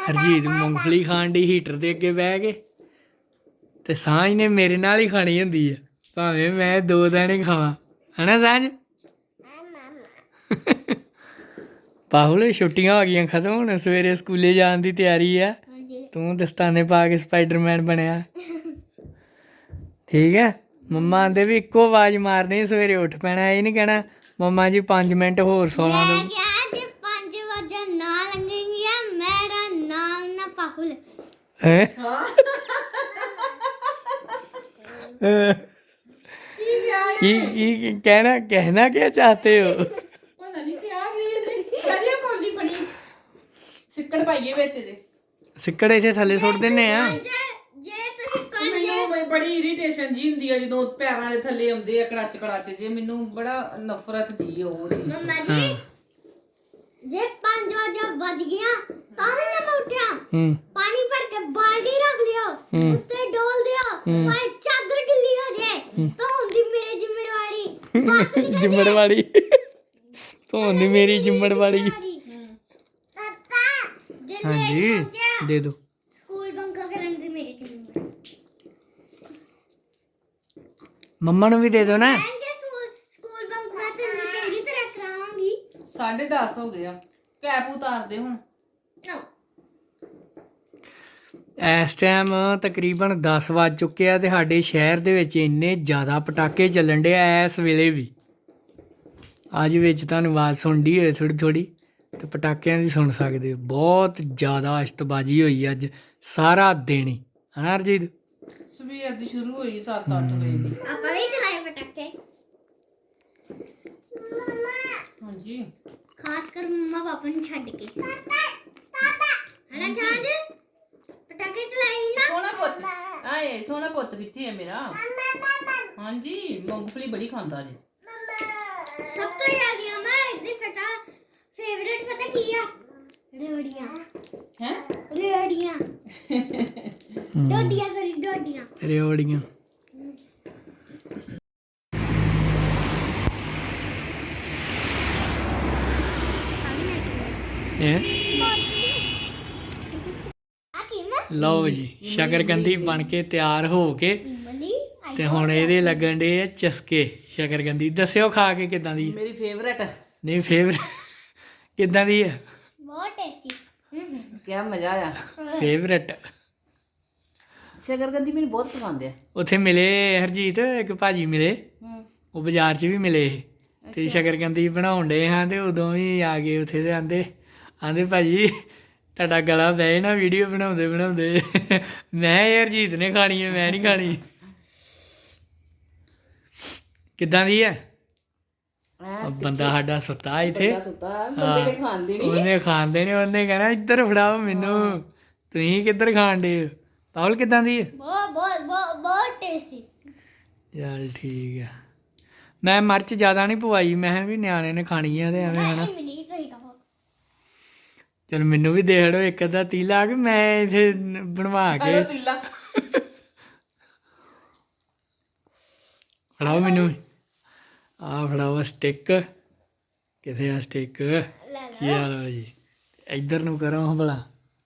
ਹਰਜੀਤ ਮੂੰਗਫਲੀ ਖਾਣ ਦੀ ਹੀਟਰ ਦੇ ਅੱਗੇ ਬਹਿ ਕੇ ਤੇ ਸਾਂਝ ਨੇ ਮੇਰੇ ਨਾਲ ਹੀ ਖਾਣੀ ਹੁੰਦੀ ਆ ਭਾਵੇਂ ਮੈਂ 2 ਦਾਣੇ ਖਾਵਾਂ ਹਨਾ ਸਾਂਝ। ਪਾਹੁਲ ਛੁੱਟੀਆਂ ਹੋ ਗਈਆਂ ਖਤਮ ਹੁਣ ਸਵੇਰੇ ਸਕੂਲੇ ਜਾਣ ਦੀ ਤਿਆਰੀ ਆ। ਤੂੰ ਦਸਤਾਨੇ ਪਾ ਕੇ ਸਪਾਈਡਰਮੈਨ ਬਣਿਆ ਠੀਕ ਹੈ। ਮੰਮਾ ਆਂਦੇ ਵੀ ਇੱਕੋ ਆਵਾਜ਼ ਮਾਰਨੀ ਸਵੇਰੇ ਉੱਠ ਪੈਣਾ ਇਹ ਨਹੀਂ ਕਹਿਣਾ ਮੰਮਾ ਜੀ 5 ਮਿੰਟ ਹੋਰ ਸੌ ਲਾਂ ਦੋ। ਕੀ कहना क्या चाहते हो? ਸਿੱਕੜ ਇੱਥੇ ਥੱਲੇ ਸੁੱਟ ਦਿੰਨੇ ਆ। ਮੈਨੂੰ ਬੜੀ ਇਰੀਟੇਸ਼ਨ ਜੀ ਹੁੰਦੀ ਆ ਜਦੋਂ ਪੈਰਾਂ ਦੇ ਥੱਲੇ ਆਉਂਦੇ ਆ ਕੜਾਚ ਕੜਾਚ ਜੇ ਮੈਨੂੰ ਬੜਾ ਨਫ਼ਰਤ ਜੀ ਉਹ ਚੀਜ਼। ਮੰਮਾ ਜੀ ਜੇ 5 ਵਜੇ ਵੱਜ ਗਿਆ ਤਾਂ ਵੀ ਨਾ ਉੱਠਿਆ ਪਾਣੀ ਭਰ ਕੇ ਬਾਲਟੀ ਰੱਖ ਲਿਓ ਉੱਤੇ ਡੋਲ ਦਿਓ ਪਰ ਚਾਦਰ ਗਿੱਲੀ ਹੋ ਜਾਏ ਤਾਂ ਹੁੰਦੀ ਮੇਰੀ ਜ਼ਿੰਮੇਵਾਰੀ ਬਸ ਨਹੀਂ ਜ਼ਿੰਮੇਵਾਰੀ ਧੋਣ ਦੀ ਮੇਰੀ ਜ਼ਿੰਮੇਵਾਰੀ। ਹਾਂਜੀ ਦੇ ਦੋ ਸਕੂਲ ਬੰਕ ਕਰਨ ਦੀ ਮੇਰੀ ਜ਼ਿੰਮੇਵਾਰੀ। ਮੰਮਾ ਨੂੰ ਵੀ ਦੇ ਦੋ ਨਾ। ਸਕੂਲ ਬੰਕ ਮੈਂ ਤੈਨੂੰ ਚੰਗੀ ਤਰ੍ਹਾਂ ਕਰਾਵਾਂਗੀ। 10:30 ਹੋ ਗਏ ਆ ਕੈਪ ਉਤਾਰ ਦੇ ਹੁਣ। ਇਸ ਟਾਈਮ ਤਕਰੀਬਨ 10 ਵੱਜ ਚੁੱਕੇ ਆ ਤੇ ਸਾਡੇ ਸ਼ਹਿਰ ਦੇ ਵਿੱਚ ਇੰਨੇ ਜ਼ਿਆਦਾ ਪਟਾਕੇ ਚੱਲਣ ਡੇ ਆ ਇਸ ਵੇਲੇ ਵੀ। ਅੱਜ ਵਿੱਚ ਤੁਹਾਨੂੰ ਆਵਾਜ਼ ਸੁਣਦੀ ਹੋਏ ਥੋੜ੍ਹੀ ਥੋੜ੍ਹੀ ਤੇ ਪਟਾਕਿਆਂ ਦੀ ਸੁਣ ਸਕਦੇ ਹੋ। ਬਹੁਤ ਜ਼ਿਆਦਾ ਅਸ਼ਤਬਾਜ਼ੀ ਹੋਈ ਅੱਜ ਸਾਰਾ ਦਿਨ ਹੀ ਹਨਾ ਹਰਜੀਤ। ਸਵੇਰ ਦੀ ਸ਼ੁਰੂ ਹੋਈ 7-8 ਵਜੇ ਦੀ। ਆਪਾਂ ਵੀ ਚਲਾਏ ਪਟਾਕੇ। ਹਾਂਜੀ ਖਾਸ ਕਰ ਮੰਮਾ ਪਾਪਾ ਨੂੰ ਛੱਡ ਕੇ। ਹਣਾ ਛਾਂਜ ਪਟਾਕੇ ਚਲਾਈ ਨਾ। ਸੋਹਣਾ ਪੁੱਤ ਆਏ ਸੋਹਣਾ ਪੁੱਤ ਕਿੱਥੇ ਹੈ ਮੇਰਾ? ਹਾਂਜੀ ਮੂੰਗਫਲੀ ਬੜੀ ਖਾਂਦਾ ਜੀ। ਸਭ ਤੋਂ ਜ਼ਿਆਦਾ ਮੈਂ ਇਹਦੀ ਫੇਵਰੇਟ ਪਤਾ ਕੀ ਆ? ਰੇੜੀਆਂ। ਹੈ ਰੇੜੀਆਂ ਡੋਡੀਆਂ ਸਰੀ ਡੋਡੀਆਂ ਰੇਵੜੀਆਂ। ਲਓ ਜੀ ਸ਼ਕਰਕੰਦੀ ਬਣ ਕੇ ਤਿਆਰ ਹੋ ਕੇ ਤੇ ਹੁਣ ਇਹਦੇ ਲੱਗਣ ਡੇ ਆ ਚਸਕੇ। ਸ਼ਕਰਕੰਦੀ ਦੱਸਿਓ ਖਾ ਕੇ ਕਿੱਦਾਂ ਦੀ? ਮੇਰੀ ਫੇਵਰੇਟ। ਨਹੀਂ ਫੇਵਰੇਟ ਕਿੱਦਾਂ ਦੀ ਆ? ਬਹੁਤ ਟੇਸਟੀ। ਕਿਆ ਮਜ਼ਾ ਆਇਆ। ਫੇਵਰੇਟ ਸ਼ਕਰਕੰਦੀ ਮੈਨੂੰ ਬਹੁਤ ਪਸੰਦ ਆ। ਉੱਥੇ ਮਿਲੇ ਹਰਜੀਤ ਇੱਕ ਭਾਜੀ ਮਿਲੇ ਉਹ ਬਾਜ਼ਾਰ 'ਚ ਵੀ ਮਿਲੇ ਤੇ ਸ਼ਕਰਕੰਦੀ ਬਣਾਉਣ ਡੇ ਹਾਂ ਤੇ ਉਦੋਂ ਵੀ ਆ ਗਏ ਉੱਥੇ ਤੇ ਆਂਦੇ ਭਾਜੀ ਤੁਹਾਡਾ ਗਲਾ ਬਹਿ ਨਾ ਵੀਡੀਓ ਬਣਾਉਂਦੇ ਬਣਾਉਂਦੇ। ਮੈਂ ਹਰਜੀਤ ਨੇ ਖਾਣੀ ਹੈ ਮੈਂ ਨਹੀਂ ਖਾਣੀ। ਕਿੱਦਾਂ ਦੀ ਹੈ? ਬੰਦਾ ਸਾਡਾ ਸੁੱਤਾ ਇੱਥੇ ਬੰਦੇ ਨੇ ਖਾਂਦੇ ਨਹੀਂ। ਉਹਨੇ ਖਾਂਦੇ ਨੇ ਉਹਨੇ ਕਹਿਣਾ ਇੱਧਰ ਫੜਾਓ ਮੈਨੂੰ ਤੁਸੀਂ ਕਿੱਧਰ ਖਾਣ ਡੇ? ਪਾਹੁਲ ਕਿੱਦਾਂ ਦੀ ਹੈ? ਬਹੁਤ ਬਹੁਤ ਬਹੁਤ ਟੇਸਟੀ। ਚੱਲ ਠੀਕ ਆ। ਮੈਂ ਮਿਰਚ ਜ਼ਿਆਦਾ ਨਹੀਂ ਪਵਾਈ ਮੈਂ ਵੀ ਨਿਆਣੇ ਨੇ ਖਾਣੀ ਆ ਤੇ ਐਵੇਂ ਹਨਾ। ਚਲ ਮੈਨੂੰ ਵੀ ਦੇ ਹੜੋ ਇੱਕ ਅੱਧਾ ਤੀਲਾ ਕਿ ਮੈਂ ਇੱਥੇ ਬਣਵਾ ਕੇ ਫੜਾਓ ਮੈਨੂੰ। ਆ ਫੜਾਓ ਸਟਿੱਕ ਕਿੱਥੇ ਆ ਸਟਿੱਕ? ਕੀ ਹਾਲ ਹੈ ਜੀ? ਇੱਧਰ ਨੂੰ ਕਰੋ ਭਲਾ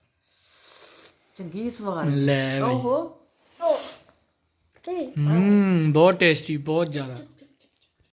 ਚੰਗੀ ਸਵਾਦ ਲੈ ਓਹੋ ਬਹੁਤ ਟੇਸਟੀ ਬਹੁਤ ਜ਼ਿਆਦਾ।